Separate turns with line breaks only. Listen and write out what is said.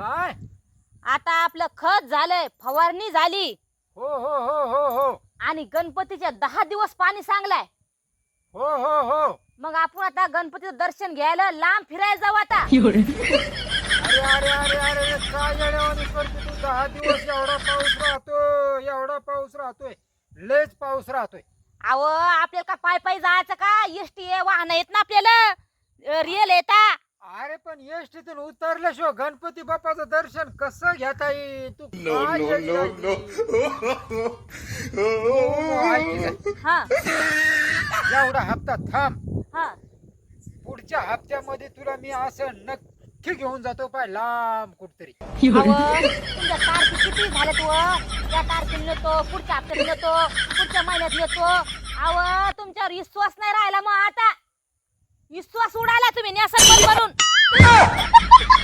काय?
आता आपलं खत झालंय, फवारणी झाली.
हो हो हो हो हो
आणि गणपतीच्या 10 दिवस पाणी सांगलाय.
हो हो हो.
मग आपण आता गणपतीचं दर्शन घ्यायला लांब फिरायला जाऊ आता.
अरे अरे अरे अरे काय येड्यावानी करतो तू? 10 दिवस एवढा पाऊस राहतोय, एवढा पाऊस राहतोय, लयच पाऊस राहतोय.
अहो आपल्याला का पाय पाय जायचं का? एसटी वाहन येत ना आपल्याला, रिअल येता.
अरे पण एसटीतून उतरल्याशिवाय गणपती बाप्पाचं दर्शन कसं घेता येईल? तू काय येडी?
हा
एवढा हप्ता थांब.
हा.
पुढच्या हप्त्यामध्ये तुला मी असं नक्की घेऊन जातो पाय लांब कुठतरी.
अहो, तुमच्या तारखे किती झाल्यात व? या तारखेला नेतो, पुढच्या हप्त्यात नेतो, पुढच्या महिन्यात नेतो. अहो तुमच्यावर विश्वास नाही राहिला. मग आता विश्वास उडाला तुम्ही नेसन बंद करून.